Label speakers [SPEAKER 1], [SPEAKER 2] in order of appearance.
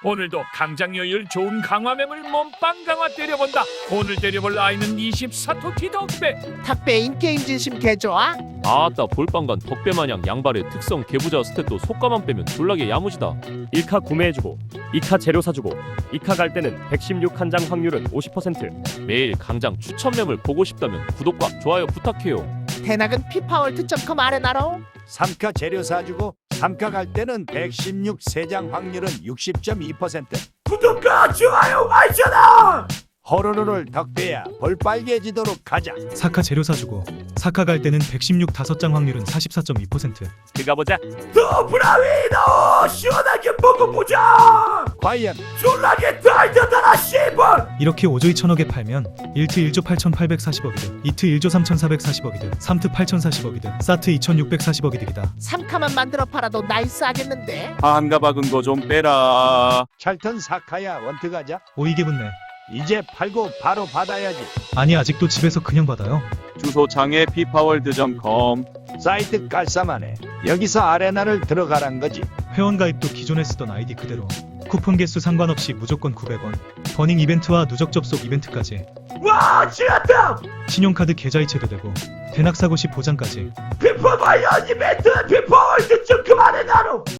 [SPEAKER 1] 오늘도 강장여율 좋은 강화mem을 몸빵 강화 때려본다. 오늘 때려볼 아이는 24토티 덕배.
[SPEAKER 2] 탁배인 게임 진심 개좋아?
[SPEAKER 3] 아따 볼빵간 덕배마냥 양발의 특성 개부자 스탯도 속가만 빼면 졸라게 야무지다.
[SPEAKER 4] 1카 구매해주고 2카 재료 사주고 2카 갈 때는 116 한 장 확률은 50%.
[SPEAKER 3] 매일 강장 추천mem을 보고 싶다면 구독과 좋아요 부탁해요.
[SPEAKER 2] 대낙은 피파월드.com 아레나로
[SPEAKER 5] 3카 재료 사주고 3카 갈 때는 116 3장 확률은 60.2%.
[SPEAKER 1] 구독과 좋아요 알잖아.
[SPEAKER 5] 호로로를 덕배야 볼 빨개지도록 가자.
[SPEAKER 6] 4카 재료 사주고 4카 갈 때는 116 5장 확률은 44.2%.
[SPEAKER 4] 그가 보자.
[SPEAKER 1] 더 브라위너 시원하게 먹어보자.
[SPEAKER 5] 과연
[SPEAKER 1] 졸라게 달려달아 씨발.
[SPEAKER 6] 이렇게 5조 2천억에 팔면 1트 1조 8,840억이득, 2트 1조 3,440억이득, 3트 8,040억이득, 사트 2,640억이 득이다.
[SPEAKER 2] 3카만 만들어 팔아도 나이스하겠는데?
[SPEAKER 7] 한가 박은 거 좀 빼라.
[SPEAKER 5] 찰턴 4카야 원트 가자.
[SPEAKER 6] 오이게 붙네.
[SPEAKER 5] 이제 팔고 바로 받아야지.
[SPEAKER 6] 아니 아직도 집에서 그냥 받아요.
[SPEAKER 7] 주소창에 피파월드.com.
[SPEAKER 5] 사이트 깔쌈하네. 여기서 아레나를 들어가란 거지.
[SPEAKER 6] 회원 가입도 기존에 쓰던 아이디 그대로. 쿠폰 개수 상관없이 무조건 900원. 버닝 이벤트와 누적 접속 이벤트까지.
[SPEAKER 1] 와 지났다.
[SPEAKER 6] 신용카드 계좌 이체도 되고 대낙 사고 시 보장까지.
[SPEAKER 1] 피파 관련 이벤트 피파월드.com 아레나로.